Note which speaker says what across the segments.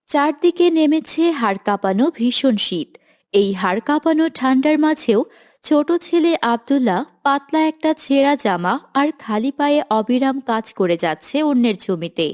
Speaker 1: চারদিকে নেমেছে হাড় কাঁপানো ভীষণ শীত। এই হাড় কাঁপানো ঠান্ডার মাঝেও ছোট ছেলে আব্দুল্লাহ পাতলা একটা ছেঁড়া জামা আর খালি পায়ে অবিরাম কাজ করে যাচ্ছে অন্যের জমিতে।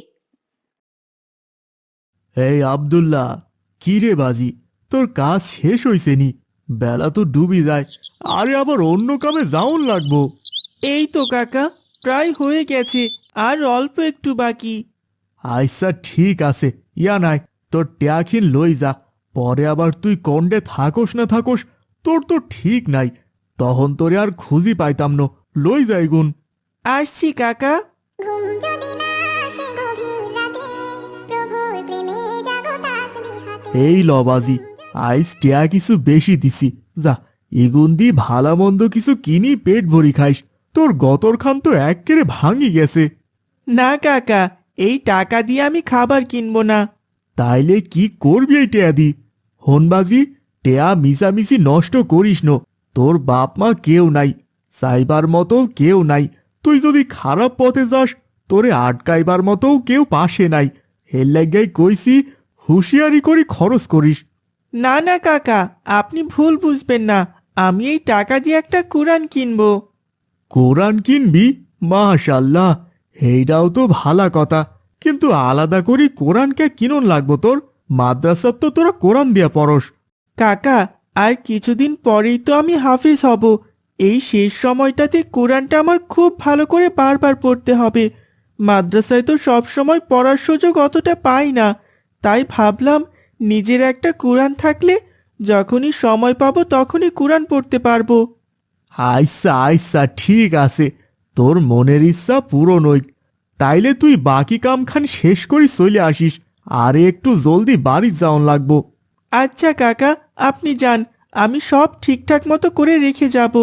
Speaker 2: এই আব্দুল্লাহ, কি রে বাজি, তোর কাজ শেষ হইছে নি? বেলা তো ডুবি যায়, আরে আবার অন্য কামে যাওন লাগবো।
Speaker 3: এই তো কাকা, প্রায় হয়ে গেছে, আর অল্প একটু বাকি।
Speaker 2: আচ্ছা ঠিক আছে, ইয়া নাই, তোর ট্যাখিন লই যা। পরে আবার তুই কন্ডে থাকোস না থাকোস, তোর তো ঠিক নাই। তখন তোরে আর খুঁজি পাইতাম ন, লই যাই গুন।
Speaker 3: আসছি কাকা।
Speaker 4: ঘুম যদি না আসে গভীর রাতে, প্রভুর প্রেমে জাগো তাসবিহ হাতে।
Speaker 2: এই ল বাজি, আইস ট্যা কিছু বেশি দিছি, যা এগুন দি ভালা মন্দ কিছু কিনি পেট ভরি খাইস। তোর গতর খান তো এক্কেরে ভাঙি গেছে।
Speaker 3: না কাকা, এই টাকা দিয়ে আমি খাবার কিনবো না।
Speaker 2: তাইলে কি করবি এই টেয়া দি? হনবাজি, টেয়া মিশামিশি নষ্ট করিস নো। তোর বাপ মা কেউ নাই, চাইবার মতো কেউ নাই। তুই যদি খারাপ পথে যাস, তোরে আটকাইবার মতো কেউ পাশে নাই। হের লাগাই কইছি, হুঁশিয়ারি করি খরচ করিস।
Speaker 3: না না কাকা, আপনি ভুল বুঝবেন না। আমি এই টাকা দিয়ে একটা কুরআন কিনবো।
Speaker 2: কোরআন কিনবি? মাশাল্লাহ, এইটাও তো ভালা কথা। কিন্তু আলাদা করি কোরআনকে কিনন লাগবো তোর? মাদ্রাসার তো তোরা কোরআন দিয়া পড়স।
Speaker 3: কাকা, আর কিছুদিন পরেই তো আমি হাফেজ হব। এই শেষ সময়টাতে কোরআনটা আমার খুব ভালো করে বারবার পড়তে হবে। মাদ্রাসায় তো সব সময় পড়ার সুযোগ অতটা পাই না। তাই ভাবলাম, নিজের একটা কোরআন থাকলে যখনই সময় পাবো তখনই কোরআন পড়তে পারবো।
Speaker 2: আচ্ছা আচ্ছা ঠিক আছে, তোর মনের ইচ্ছা পূরণ হইক। তাইলে তুই বাকি কামখান শেষ করি চলে আসিস, আরে একটু জলদি বাড়ি যাওন লাগবো।
Speaker 3: আচ্ছা কাকা, আপনি যান, আমি সব ঠিকঠাক মতো করে রেখে যাব।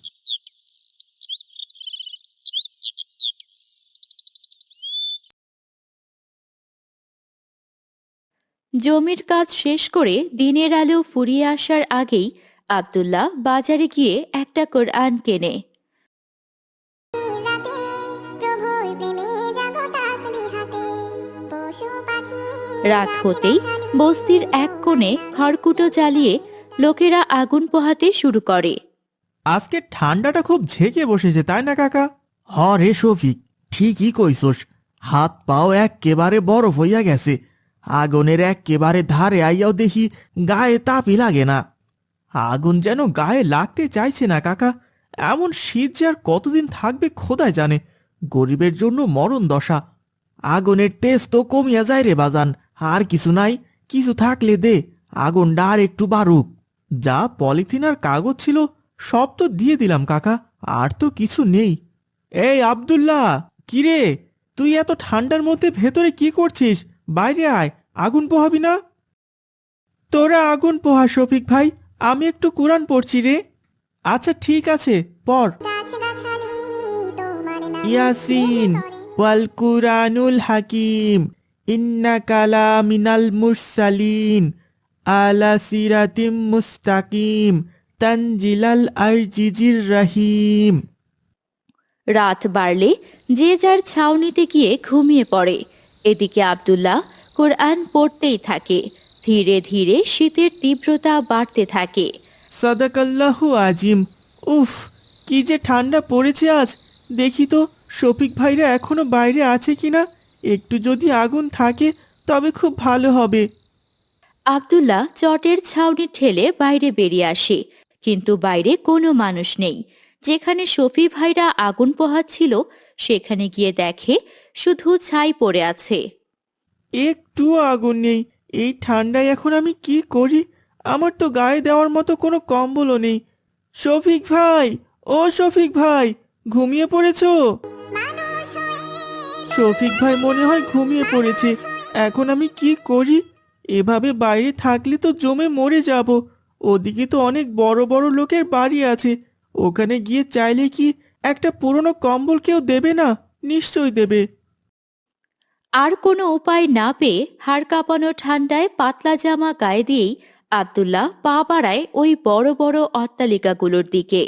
Speaker 1: জমির কাজ শেষ করে দিনের আলো ফুরিয়ে আসার আগেই আব্দুল্লাহ বাজারে গিয়ে একটা কোরআন কেনে।
Speaker 4: রাতে প্রভুর প্রেমে জাগো তাসবিহ হাতে। পশু পাখি
Speaker 1: রাত হতেই বস্তির এক কোণে খড়কুটো জ্বালিয়ে লোকেরা আগুন পোহাতে শুরু করে।
Speaker 3: আজকে ঠান্ডাটা খুব ঝেঁকে বসেছে, তাই না কাকা?
Speaker 2: হ রে শফিক, ঠিকই কইছস। হাত পাও এক্কেবারে বরফ হইয়া গেছে। আগুনের এক্কেবারে ধারে আইয়াও দেখি গায়ে তাপই লাগে না।
Speaker 3: আগুন যেন গায়ে লাগতে চাইছে না কাকা। এমন শীত যে আর কতদিন থাকবে খোদাই জানে। গরিবের জন্য মরণ দশা।
Speaker 2: আগুনের তেজ তো কমিয়া যায় রে বাজান, আর কিছু নাই, কিছু থাকলে দে, আগুনটা আর একটু বাড়ুক।
Speaker 3: যা পলিথিন আর কাগজ ছিল সব তো দিয়ে দিলাম কাকা, আর তো কিছু নেই। এই আব্দুল্লাহ, কিরে, তুই এত ঠান্ডার মধ্যে ভেতরে কি করছিস? বাইরে আয়, আগুন পোহাবি না? তোরা আগুন পোহা শফিক ভাই, আমি একটু কোরআন পড়ছি রে। আচ্ছা ঠিক আছে, পড়।
Speaker 4: গাছগাছালি তোমার নামে
Speaker 3: ইয়াসিন ওয়াল কুরআনুল হাকিম, ইন্নাকা লা মিনাল মুরসালিন, আলা সিরাতিম মুস্তাকিম, তানজিলাল আজিজির রহিম।
Speaker 1: রাত বাড়লে যে যার ছাউনিতে গিয়ে ঘুমিয়ে পড়ে। এদিকে আব্দুল্লাহ কোরআন পড়তেই থাকে। ধীরে ধীরে শীতের তীব্রতা বাড়তে থাকে।
Speaker 3: সাদাকাল্লাহু আজিম। উফ, কি যে ঠান্ডা পড়েছে আজ। দেখি তো শফিক ভাইরা এখনো বাইরে আছে কিনা। একটু যদি আগুন থাকে তবে খুব ভালো হবে।
Speaker 1: আব্দুল্লাহ চটের ছাউনি ঠেলে বাইরে বেরিয়ে আসে, কিন্তু বাইরে কোনো মানুষ নেই। যেখানে শফি ভাইরা আগুন পোহাচ্ছিল সেখানে গিয়ে দেখে শুধু ছাই পড়ে আছে।
Speaker 3: একটুও আগুন নেই। এই ঠান্ডায় এখন আমি কি করি? আমার তো গায়ে দেওয়ার মতো কোনো কম্বলও নেই। শফিক ভাই, ও শফিক ভাই, ঘুমিয়ে পড়েছো?
Speaker 4: মানুষ হয়ে
Speaker 3: শফিক ভাই মনে হয় ঘুমিয়ে পড়েছে। এখন আমি কি করি? এভাবে বাইরে থাকলে তো জমে মরে যাব। ওদিকে তো অনেক বড় বড় লোকের বাড়ি আছে। ওখানে গিয়ে চাইলে কি একটা পুরনো কম্বল কেউ দেবে না? নিশ্চয়ই দেবে।
Speaker 1: আর কোনো উপায় না পেয়ে হাড় কাঁপানো ঠান্ডায় পাতলা জামা গায়ে দিয়েই আব্দুল্লাহ পা বাড়ায় ওই বড় বড় অট্টালিকাগুলোর দিকে।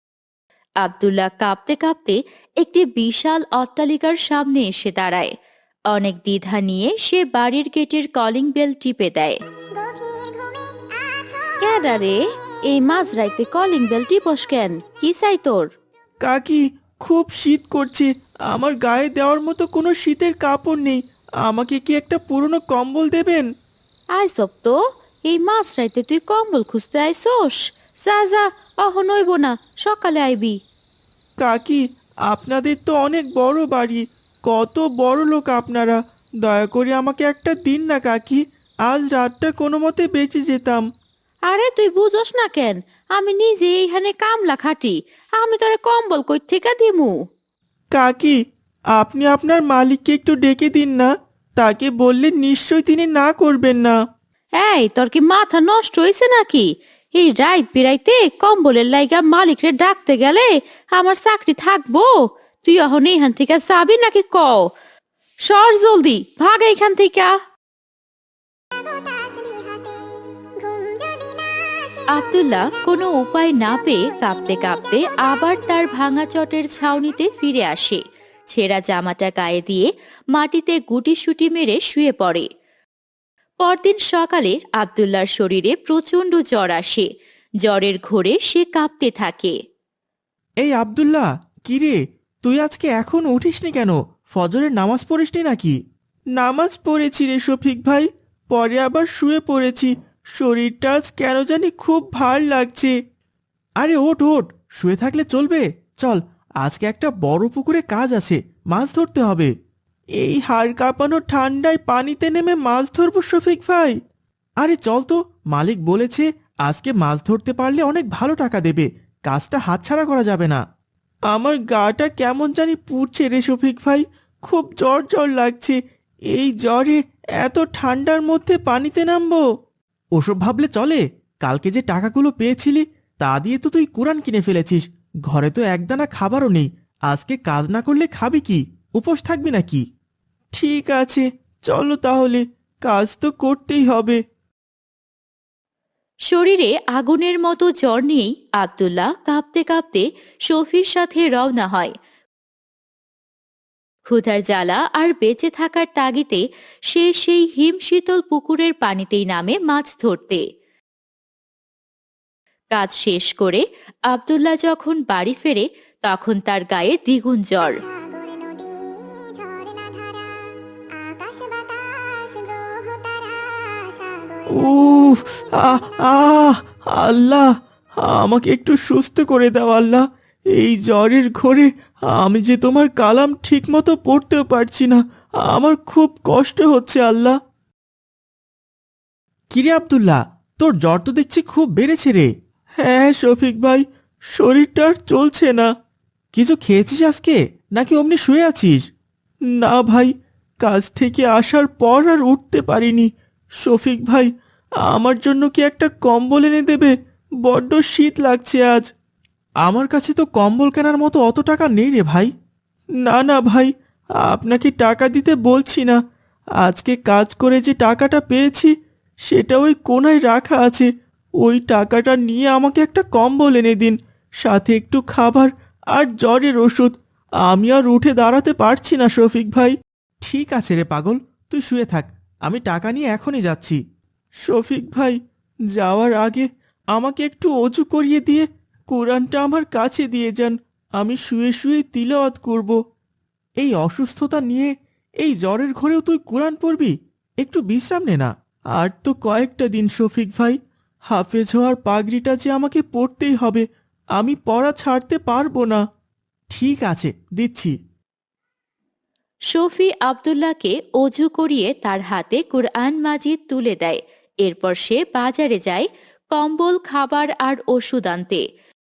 Speaker 1: আব্দুল্লাহ কাঁপতে কাঁপতে একটি বিশাল অট্টালিকার সামনে এসে দাঁড়ায়। অনেক দ্বিধা নিয়ে সে বাড়ির গেটের কলিং বেল টিপে দেয়।
Speaker 4: গভীর ঘুমে আছো
Speaker 1: ক্যাডা রে, এই মাঝরাইতে কলিং বেল টিপস কেন? কি চাই তোর?
Speaker 3: কাকি, খুব শীত করছে, আমার গায়ে দেওয়ার মতো কোনো শীতের কাপড় নেই, আমাকে কি একটা পুরনো কম্বল দেবেন?
Speaker 1: আইসব তো, এই মাঝরাইতে তুই কম্বল খুঁজতে আইসোস? যা যা, অহন হইব না, সকালে আইবি।
Speaker 3: কাকি, আপনাদের তো অনেক বড় বাড়ি, কত বড় লোক আপনারা, দয়া করে আমাকে একটা দিন না কাকি, আজ রাতটা কোনো মতে বেঁচে যেতাম।
Speaker 1: আরে তুই বুঝোস না কেন? আমি নিজে এইখানে কামলা খাটি, আমি তোরে কম্বল কই থেকে দিমু?
Speaker 3: কাকি, আপনি আপনার মালিককে একটু ডেকে দিন না, তাকে বললে নিশ্চয়ই তিনি না করবেন না।
Speaker 1: এই তোর কি মাথা নষ্ট হইছে নাকি? এই রাইত বিরাইতে কম্বলের লাইগা মালিকরে ডাকতে গেলে আমার চাকরি থাকবো? তুই এখন এইখান থেকে যাবি নাকি কও? সর জলদি, ভাগ এইখান থেকে।
Speaker 4: তাসবিহাতে ঘুম যদি না আসে
Speaker 1: আব্দুল্লাহ কোনো উপায় না পেয়ে কাঁপতে কাঁপতে আবার তার ভাঙা চটের ছাউনিতে ফিরে আসে। ছেঁড়া জামাটা গায়ে দিয়ে মাটিতে গুটিসুটি মেরে শুয়ে পড়ে। পরদিন সকালে আব্দুল্লাহর শরীরে প্রচণ্ড জ্বর আসে। জ্বরের ঘোরে সে কাঁপতে থাকে।
Speaker 3: এই আব্দুল্লাহ, কিরে, তুই আজকে এখন উঠিসনি কেন? ফজরের নামাজ পড়িসনি নাকি? নামাজ পড়েছি রে শফিক ভাই, পরে আবার শুয়ে পড়েছি, শরীরটা আজ কেন জানি খুব ভার লাগছে। আরে ওঠ ওঠ, শুয়ে থাকলে চলবে? চল, আজকে একটা বড় পুকুরে কাজ আছে, মাছ ধরতে হবে। এই হাড় কাঁপানো ঠান্ডায় পানিতে নেমে মাছ ধরবো শফিক ভাই? আরে চল তো, মালিক বলেছে আজকে মাছ ধরতে পারলে অনেক ভালো টাকা দেবে, কাজটা হাতছাড়া করা যাবে না। আমার গাটা কেমন জানি পুড়ছে রে শফিক ভাই, খুব জ্বর জ্বর লাগছে, এই জ্বরে এত ঠান্ডার মধ্যে পানিতে নামবো? ওসব ভাবলে চলে? কালকে যে টাকাগুলো পেয়েছিলি তা দিয়ে তো তুই কুরআন কিনে ফেলেছিস, ঘরে তো একদানা খাবারও নেই, আজকে কাজ না করলে খাবি কি? উপোস থাকবি নাকি? ঠিক আছে, চলো তাহলে, কাজ তো করতেই হবে।
Speaker 1: শরীরে আগুনের মতো জ্বর নিয়েই আব্দুল্লাহ কাঁপতে কাঁপতে শফির সাথে রওনা হয়। ক্ষুধার জ্বালা আর বেঁচে থাকার তাগিদে সে সেই হিমশীতল পুকুরের পানিতেই নামে মাছ ধরতে। কাজ শেষ করে আব্দুল্লাহ যখন বাড়ি ফেরে তখন তার গায়ে দ্বিগুণ জ্বর।
Speaker 4: সাগর নদী ঝরনা ধারা আকাশ বাতাস গ্রহ তারা সাগর
Speaker 3: উফ, আহ আহ আল্লাহ, আমাকে একটু সুস্থ করে দাও আল্লাহ, এই জ্বরের ঘোরে আমি যে তোমার কালাম ঠিকমতো পড়তেও পারছি না, আমার খুব কষ্ট হচ্ছে আল্লাহ। কিরে আব্দুল্লাহ, তোর জ্বর তো দেখছি খুব বেড়েছে রে। হ্যাঁ শফিক ভাই, শরীরটা আর চলছে না। কিছু খেয়েছিস আজকে নাকি অমনি শুয়ে আছিস? না ভাই, কাজ থেকে আসার পর আর উঠতে পারিনি। শফিক ভাই, আমার জন্য কি একটা কম্বল এনে দেবে? বড্ড শীত লাগছে আজ। আমার কাছে তো কম্বল কেনার মতো অত টাকা নেই রে ভাই। না না ভাই, আপনাকে টাকা দিতে বলছি না, আজকে কাজ করে যে টাকাটা পেয়েছি সেটা ওই কোনায় রাখা আছে, ওই টাকাটা নিয়ে আমাকে একটা কম্বল এনে দিন, সাথে একটু খাবার আর জ্বরের ওষুধ। আমি আর উঠে দাঁড়াতে পারছি না শফিক ভাই। ঠিক আছে রে পাগল, তুই শুয়ে থাক, আমি টাকা নিয়ে এখনই যাচ্ছি। শফিক ভাই, যাওয়ার আগে আমাকে একটু অজু করিয়ে দিয়ে কোরআনটা আমার কাছে দিয়ে যান, আমি শুয়ে শুয়ে তিলাওয়াত করব। এই অসুস্থতা নিয়ে এই জ্বরের ঘরেও তুই কোরআন পড়বি? একটু বিশ্রাম নে না। আর তো কয়েকটা দিন শফিক ভাই, হাফেজ হওয়ার পাগড়িটা যে আমাকে পড়তেই হবে, আমি পড়া ছাড়তে পারবো না। ঠিক আছে, দিচ্ছি।
Speaker 1: শফি আব্দুল্লাহকে অজু করিয়ে তার হাতে কুরআন মাজিদ তুলে দেয়। এরপর সে বাজারে যায় কম্বল, খাবার আর ওষুধ আনতে।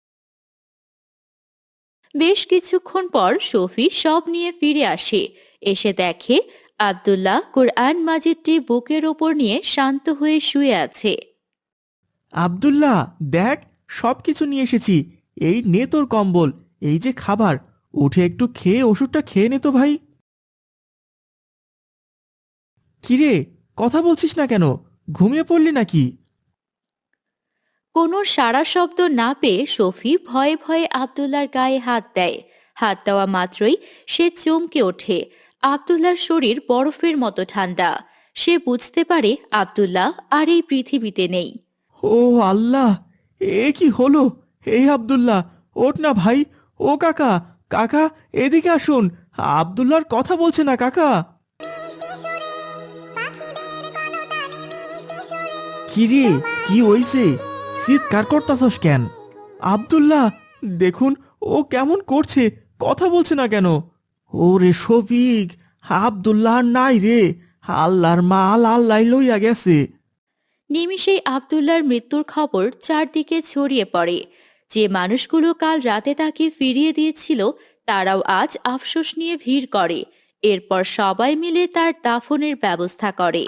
Speaker 1: বেশ কিছুক্ষণ পর শফি সব নিয়ে ফিরে আসে। এসে দেখে আব্দুল্লাহ কুরআন মাজিদটি বুকের ওপর নিয়ে শান্ত হয়ে শুয়ে আছে।
Speaker 3: আব্দুল্লাহ দেখ, সব কিছু নিয়ে এসেছি, এই নে তোর কম্বল, এই যে খাবার, উঠে একটু খেয়ে ওষুধটা খেয়ে নে তো ভাই। কিরে, কথা বলছিস না কেন? ঘুমিয়ে পড়লি নাকি?
Speaker 1: কোনো সাড়া শব্দ না পেয়ে শফি ভয়ে ভয়ে আব্দুল্লাহর গায়ে হাত দেয়। হাত দেওয়া মাত্রই সে চমকে ওঠে। আব্দুল্লাহর শরীর বরফের মতো ঠান্ডা। সে বুঝতে পারে আব্দুল্লাহ আর এই পৃথিবীতে নেই।
Speaker 3: ও আল্লাহ, এ কি হলো? এই আব্দুল্লাহ, ওঠ না ভাই। ও কাকা, কাকা এদিকে আসুন। আব্দুল্লাহর কথা বলছে না কাকা।
Speaker 4: মিষ্টি সুরে পাখিদের কলতানে মিষ্টি সুরে
Speaker 3: কি রে, কি হইছে? চিৎকার করতাছস কেন? আব্দুল্লাহ, দেখুন ও কেমন করছে, কথা বলছে না কেন? ওরে শফিক, আব্দুল্লাহ আর নাই রে। আল্লাহর মাল আল্লাহ লইয়া গেছে।
Speaker 1: নিমিষেই আব্দুল্লাহর মৃত্যুর খবর চারদিকে ছড়িয়ে পড়ে। যে মানুষগুলো কাল রাতে তাকে ফিরিয়ে দিয়েছিল তারাও আজ আফসোস নিয়ে ভিড় করে। এরপর সবাই মিলে তার দাফনের ব্যবস্থা করে।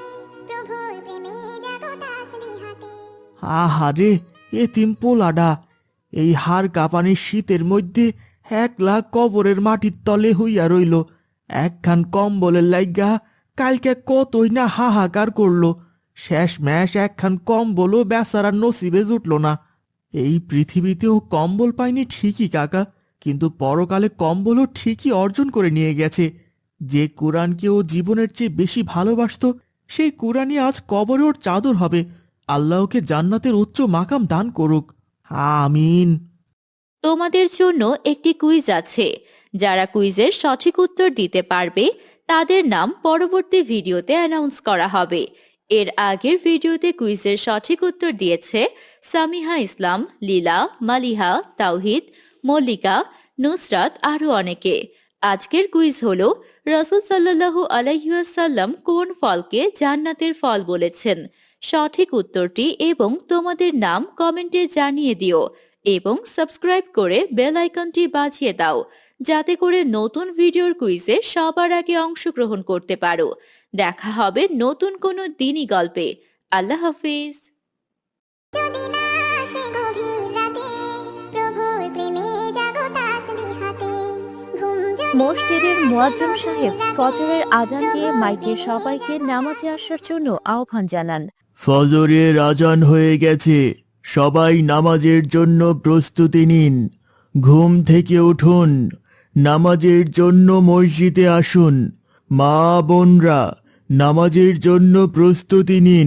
Speaker 4: প্রভুর প্রেমে জাগো তাসবিহাতে
Speaker 3: আহারে, এতিম পোলাডা এই হাড় কাঁপানির শীতের মধ্যে একলা কবরের মাটির তলে হইয়া রইল। একখান কম্বলের লাইগা কালকে কতই না হাহাকার করলো। শেষ ম্যাশ একখান কম্বলও বেচারার নসিবে জুটল না। এই পৃথিবীতেও কম্বল পায়নি ঠিকই কাকা, কিন্তু পরকালে কম্বলও ঠিকই অর্জন করে নিয়ে গেছে। যে কোরআনকে ও জীবনের চেয়ে বেশি ভালোবাসতো সেই কোরআনই আজ কবরে ওর চাদর হবে। আল্লাহকে জান্নাতের উচ্চ মাকাম দান করুক, আমিন।
Speaker 1: তোমাদের জন্য একটি কুইজ আছে। যারা কুইজের সঠিক উত্তর দিতে পারবে তাদের নাম পরবর্তী ভিডিওতে অ্যানাউন্স করা হবে। এর আগের ভিডিওতে কুইজের সঠিক উত্তর দিয়েছে সামিহা ইসলাম, লীলা, মালিহা, তাওহিদ, মল্লিকা, নুসরাত আরও অনেকে। আজকের কুইজ হলো রাসূল সাল্লাল্লাহু আলাইহি ওয়াসাল্লাম কোন ফলকে জান্নাতের ফল বলেছেন। সঠিক উত্তরটি এবং তোমাদের নাম কমেন্টে জানিয়ে দিও এবং সাবস্ক্রাইব করে বেল আইকনটি বাজিয়ে দাও যাতে করে নতুন ভিডিওর কুইজে সবার আগে অংশগ্রহণ করতে পারো। দেখা হবে নতুন কোনো দিনই গল্পে। আল্লাহ হাফিজ।
Speaker 4: যদি না আসে গভীর রাতে প্রভুর প্রেমে জাগো তাসবিহাতে ঘুম যদি
Speaker 1: মসজিদের
Speaker 4: না আসে
Speaker 1: মুয়াজ্জিম
Speaker 4: গভীর
Speaker 1: সাহেব
Speaker 4: রাতে,
Speaker 1: ফজরের আজান দিয়ে
Speaker 4: প্রভুর
Speaker 1: মাইকে
Speaker 4: প্রেমে
Speaker 1: সবাইকে নামাজে আসার জন্য আহ্বান জানান।
Speaker 2: ফজরের আজান হয়ে গেছে, সবাই নামাজের জন্য প্রস্তুতি নিন। ঘুম থেকে উঠুন, নামাজের জন্য মসজিদে আসুন। মা বোনরা, নামাজের জন্য প্রস্তুতি নিন।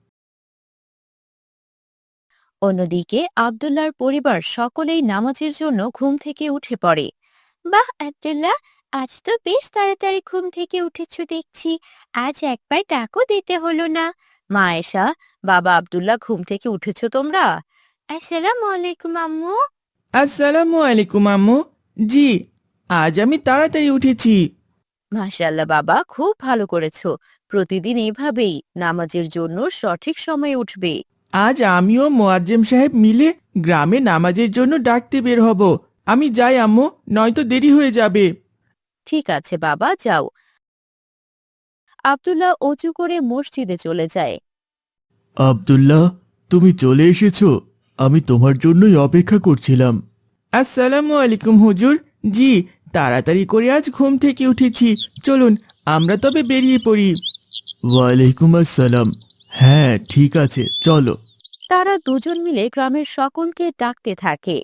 Speaker 1: অন্যদিকে আব্দুল্লাহর পরিবার সকলেই নামাজের জন্য ঘুম থেকে উঠে পড়ে। বাহ আব্দুল্লাহ, আজ তো বেশ তাড়াতাড়ি ঘুম থেকে উঠেছ দেখছি। আজ একবার ডাকও দিতে হলো না। মা আয়েশা, বাবা আব্দুল্লাহ, ঘুম থেকে উঠেছো তোমরা? আসসালামু আলাইকুম আম্মু।
Speaker 3: আসসালামু আলাইকুম আম্মু। জি, আজ আমি তাড়াতাড়ি উঠেছি।
Speaker 1: মাশাআল্লাহ বাবা, খুব ভালো করেছো। প্রতিদিন এভাবেই নামাজের জন্য সঠিক সময়ে উঠবে।
Speaker 3: আজ আমিও মোয়াজ্জেম সাহেব মিলে গ্রামে নামাজের জন্য ডাকতে বের হব। আমি যাই আম্মু, নয়তো দেরি হয়ে যাবে।
Speaker 1: ঠিক আছে বাবা, যাও। আব্দুল্লাহ অজু করে মসজিদে চলে যায়।
Speaker 2: আব্দুল্লাহ, তুমি চলে এসেছো? আমি তোমার জন্যই অপেক্ষা করছিলাম।
Speaker 3: আসসালামু আলাইকুম হুজুর। জি, তাড়াতাড়ি করে আজ ঘুম থেকে উঠেছি। চলুন আমরা তবে বেরিয়ে পড়ি।
Speaker 2: ওয়ালাইকুম আসসালাম। হ্যাঁ, ঠিক আছে, চলো।
Speaker 1: তারা দুজন মিলে গ্রামের সকলকে ডাকতে থাকে।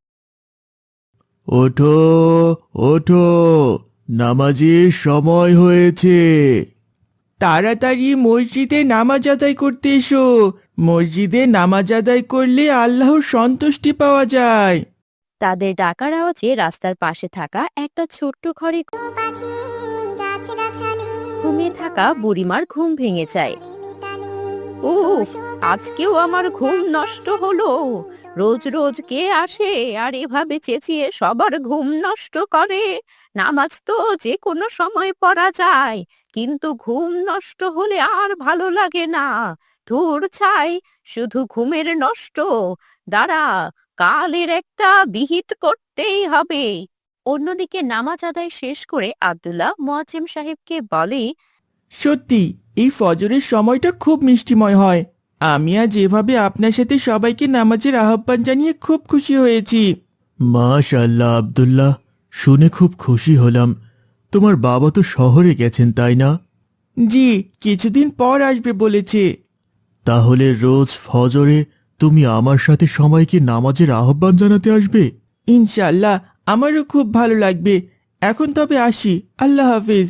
Speaker 2: ওঠো, ওঠো, নামাজের সময় হয়েছে।
Speaker 3: তাড়াতাড়ি মসজিদে নামাজ আদায় করতে এসো। মসজিদে নামাজ আদায় করলে আল্লাহর সন্তুষ্টি পাওয়া যায়।
Speaker 1: তাদের ডাকার আওয়াজে রাস্তার পাশে থাকা একটা ছোট্ট ঘরে
Speaker 4: পাখি গাছ-গাছালি
Speaker 1: ঘুমিয়ে থাকা বুড়িমার ঘুম ভেঙে যায়।
Speaker 4: মিতালি
Speaker 1: ও, আজকেও আমার ঘুম নষ্ট হলো। রোজ রোজ কে আসে আর এভাবে চেঁচিয়ে সবার ঘুম নষ্ট করে? নামাজ তো যে কোনো সময় পড়া যায়, কিন্তু ঘুম নষ্ট হলে আর ভালো লাগে না। ধুর ছাই, শুধু ঘুমের নষ্ট। দাঁড়া, কালের একটা বিহিত করতেই হবে। অন্যদিকে নামাজ আদায় শেষ করে আব্দুল্লাহ মুয়াজ্জিম সাহেবকে বলে,
Speaker 3: সত্যি এই ফজরের সময়টা খুব মিষ্টিময় হয়। আমি আজ এভাবে আপনার সাথে সবাইকে নামাজের আহ্বান জানিয়ে খুব খুশি হয়েছি।
Speaker 2: মাশাআল্লাহ আব্দুল্লাহ, শুনে খুব খুশি হলাম। তোমার বাবা তো শহরে গেছেন, তাই না?
Speaker 3: জি, কিছুদিন পর আসবে বলেছে।
Speaker 2: তাহলে রোজ ফজরে তুমি আমার সাথে সবাইকে নামাজের আহ্বান জানাতে আসবে?
Speaker 3: ইনশাল্লাহ, আমারও খুব ভালো লাগবে। এখন তবে আসি, আল্লাহ হাফিজ।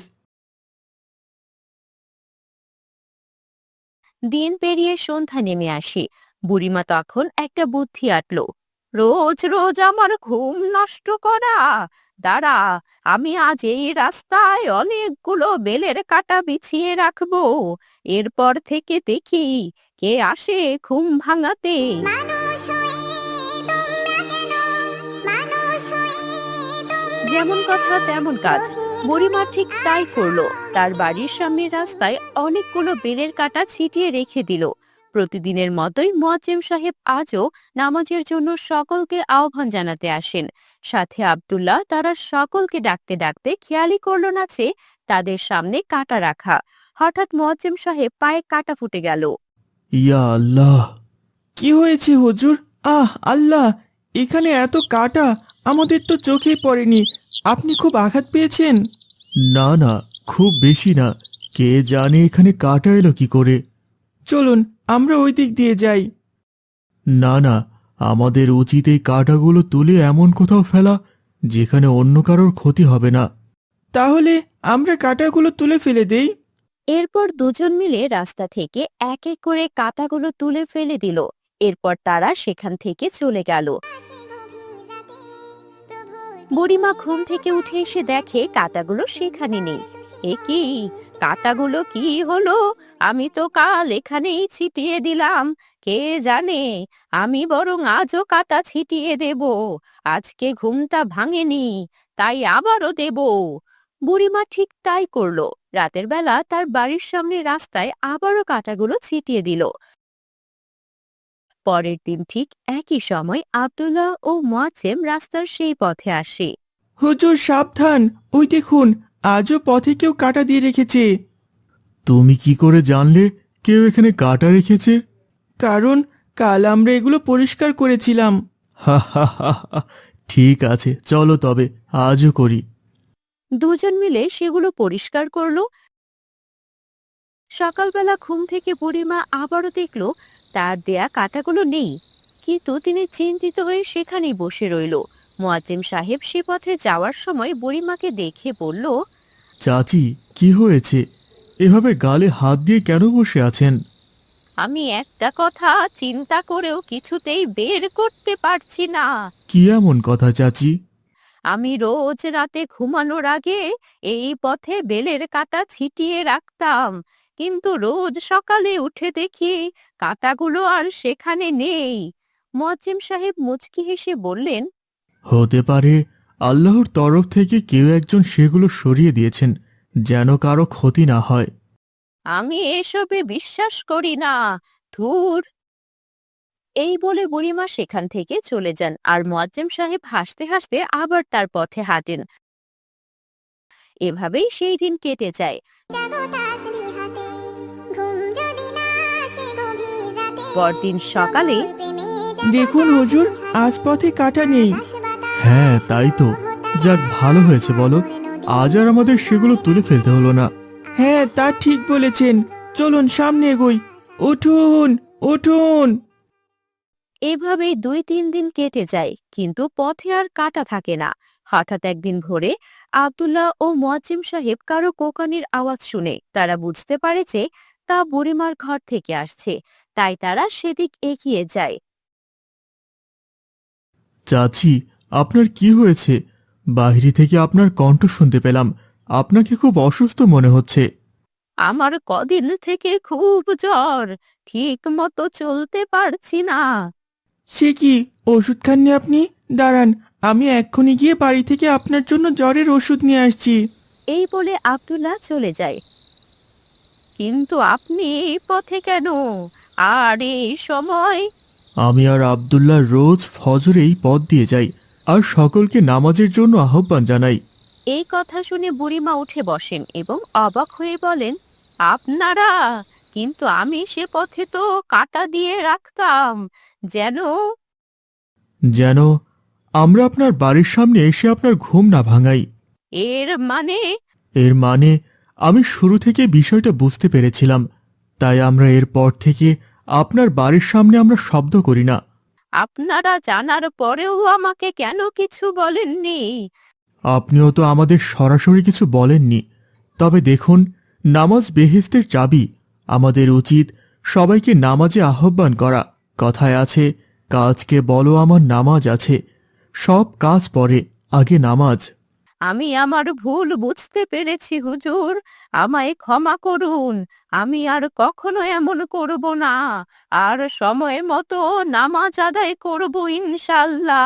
Speaker 1: দিন পেরিয়ে সন্ধ্যা নেমে আসে। বুড়িমা তখন একটা বুদ্ধি আটলো। রোজ রোজ আমার ঘুম নষ্ট করা, দাঁড়া, আমি আজ এই রাস্তায় অনেকগুলো বেলের কাঁটা বিছিয়ে রাখবো। এরপর থেকে দেখি কে আসে ঘুম ভাঙাতে।
Speaker 4: মানুষ হয়ে তোমরা কেন, মানুষ হয়ে তোমরা
Speaker 1: যেমন কথা তেমন কাজ। বুড়িমা ঠিক তাই করলো। তার বাড়ির সামনের রাস্তায় অনেকগুলো বেলের কাঁটা ছিটিয়ে রেখে দিল। প্রতিদিনের মতোই মুয়াজ্জিম সাহেব আজও নামাজের জন্য সকলকে আহ্বান জানাতে আসেন। সাথে আব্দুল্লাহ তারা সকলকে ডাকতে ডাকতে খেয়ালই করলো না যে তাদের সামনে কাঁটা রাখা। হঠাৎ মুয়াজ্জিম সাহেব পায়ে কাঁটা ফুটে গেল।
Speaker 2: ইয়া আল্লাহ!
Speaker 3: কি হয়েছে হুজুর? আহ আল্লাহ, এখানে এত কাটা, আমাদের তো চোখেই পড়েনি। আপনি খুব আঘাত পেয়েছেন?
Speaker 2: না না, খুব বেশি না। কে জানে এখানে কাটা এলো কি করে।
Speaker 3: চলুন আমরা ওই দিক দিয়ে যাই।
Speaker 2: না না, আমাদের উচিত এই কাঁটাগুলো তুলে এমন কোথাও ফেলা যেখানে অন্য কারোর ক্ষতি হবে না।
Speaker 3: তাহলে আমরা কাটাগুলো তুলে ফেলে দেই।
Speaker 1: এরপর দুজন মিলে রাস্তা থেকে এক এক করে কাঁটাগুলো তুলে ফেলে দিল। এরপর তারা সেখান থেকে চলে গেল।
Speaker 4: আসে গভীর রাতে, প্রভুর
Speaker 1: বুড়িমা ঘুম থেকে উঠে এসে দেখে কাঁটাগুলো সেখানে নেই। এ কি, কাঁটাগুলো কি হলো? আমি তো কাল এখানেই ছিটিয়ে দিলাম। কে জানে, আমি বরং আজও কাঁটা ছিটিয়ে দেব। আজকে ঘুমটা ভাঙেনি, তাই আবারও দেব। বুড়িমা ঠিক তাই করলো। রাতের বেলা তার বাড়ির সামনে রাস্তায় আবারও কাঁটাগুলো ছিটিয়ে দিল। পরের দিন ঠিক একই সময় আব্দুল্লাহ ও মুয়াজ্জেম রাস্তার সেই পথে আসে।
Speaker 3: হুজুর সাবধান, ওই দেখুন, আজও পথে কেউ কাটা দিয়ে রেখেছে।
Speaker 2: তুমি কি করে জানলে কেউ এখানে কাটা রেখেছে?
Speaker 3: কারণ কাল আমরা এগুলো পরিষ্কার করেছিলাম।
Speaker 2: হা হা হা হা। ঠিক আছে, চলো তবে আজও করি।
Speaker 1: দুজন মিলে সেগুলো পরিষ্কার করলো। সকালবেলা ঘুম থেকে বুড়িমা আবারও দেখলো তার দেয়া কাঁটাগুলো নেই। কিন্তু তিনি চিন্তিত হয়ে সেখানেই বসে রইল। মুয়াজ্জিম সাহেব সে পথে যাওয়ার সময় বুড়িমাকে দেখে বলল,
Speaker 2: চাচি, কি হয়েছে? এভাবে গালে হাত দিয়ে কেন বসে আছেন?
Speaker 1: আমি একটা কথা চিন্তা করেও কিছুতেই বের করতে পারছি না।
Speaker 2: কি এমন কথা চাচি?
Speaker 1: আমি রোজ রাতে ঘুমানোর আগে এই পথে বেলের কাঁটা ছিটিয়ে রাখতাম, কিন্তু রোজ সকালে উঠে দেখি কাঁটাগুলো আর সেখানে নেই। মুয়াজ্জিম সাহেব মুচকি হেসে বললেন,
Speaker 2: হতে পারে আল্লাহর তরফ থেকে কেউ একজন সেগুলো সরিয়ে দিয়েছেন যেন কারো ক্ষতি না হয়।
Speaker 1: আমি এসবে বিশ্বাস করি না, ধুর। এই বলে বুড়িমা সেখান থেকে চলে যান আর মুয়াজ্জিম সাহেব হাসতে হাসতে আবার তার পথে হাঁটেন। এভাবেই সেই দিন কেটে যায়।
Speaker 4: জাগো তাসবিহাতে, ঘুম যদি না আসে গভীর রাতে,
Speaker 1: পরদিন সকালে
Speaker 4: প্রেমে জাগো
Speaker 3: দেখুন হুজুর, আজ পথে কাটা নেই।
Speaker 2: হ্যাঁ তাই তো, যাক ভালো হয়েছে বলো, আজ আর আমাদের সেগুলো তুলে ফেলতে হলো না।
Speaker 3: হ্যাঁ তা ঠিক বলেছেন, চলুন সামনে এগোই। উঠুন উঠুন।
Speaker 1: এভাবেই 2-3 দিন কেটে যায়, কিন্তু পথে আর কাটা থাকে না। হঠাৎ একদিন ভোরে আব্দুল্লাহ ও মুয়াজ্জিম সাহেব কারো কোকানির আওয়াজ শুনে তারা বুঝতে পারে যে তা বুড়িমার ঘর থেকে আসছে। তাই তারা সেদিক এগিয়ে যায়।
Speaker 2: চাচি, আপনার কি হয়েছে? বাইরে থেকে আপনার কণ্ঠ শুনতে পেলাম। আপনাকে খুব অসুস্থ মনে হচ্ছে।
Speaker 1: আমার কদিন থেকে খুব জ্বর, ঠিক মতো চলতে পারছি না।
Speaker 3: সে কি, ওষুধ খাননি আপনি? দাঁড়ান, আমি এক্ষুনি গিয়ে বাড়ি থেকে আপনার জন্য জ্বরের ওষুধ নিয়ে আসছি।
Speaker 1: এই বলে আব্দুল্লাহ চলে যায়। কিন্তু আপনি এই পথে কেন, আর এই সময়?
Speaker 2: আমি আর আব্দুল্লাহ রোজ ফজরে এই পথ দিয়ে যাই আর সকলকে নামাজের জন্য আহ্বান জানাই।
Speaker 1: এই কথা শুনে বুড়িমা উঠে বসেন এবং অবাক হয়ে বলেন, আপনারা? কিন্তু আমি সে পথে তো কাঁটা দিয়ে রাখতাম, যেন।
Speaker 2: যেন আমরা আপনার বাড়ির সামনে এসে আপনার ঘুম না ভাঙাই।
Speaker 1: এর মানে?
Speaker 2: এর মানে আমি শুরু থেকে বিষয়টা বুঝতে পেরেছিলাম, তাই আমরা এরপর থেকে আপনার বাড়ির সামনে আমরা শব্দ করি না।
Speaker 1: আপনারা জানার পরেও আমাকে কেন কিছু বলেননি?
Speaker 2: আপনিও তো আমাদের সরাসরি কিছু বলেননি। তবে দেখুন, নামাজ বেহেশতের চাবি। আমাদের উচিত সবাইকে নামাজে আহ্বান করা। কথায় আছে, কাজকে বলো আমার নামাজ আছে। সব কাজ পরে, আগে নামাজ।
Speaker 5: আমি আমার ভুল বুঝতে পেরেছি হুজুর, আমায় ক্ষমা করুন। আমি আর কখনো এমন করব না, আর সময় মতো নামাজ আদায় করব ইনশাল্লাহ।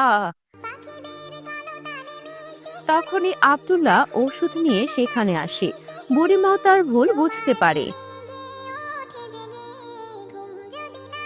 Speaker 5: তখনই আব্দুল্লাহ ওষুধ নিয়ে সেখানে আসে। বুড়িমাও তার ভুল বুঝতে পারে।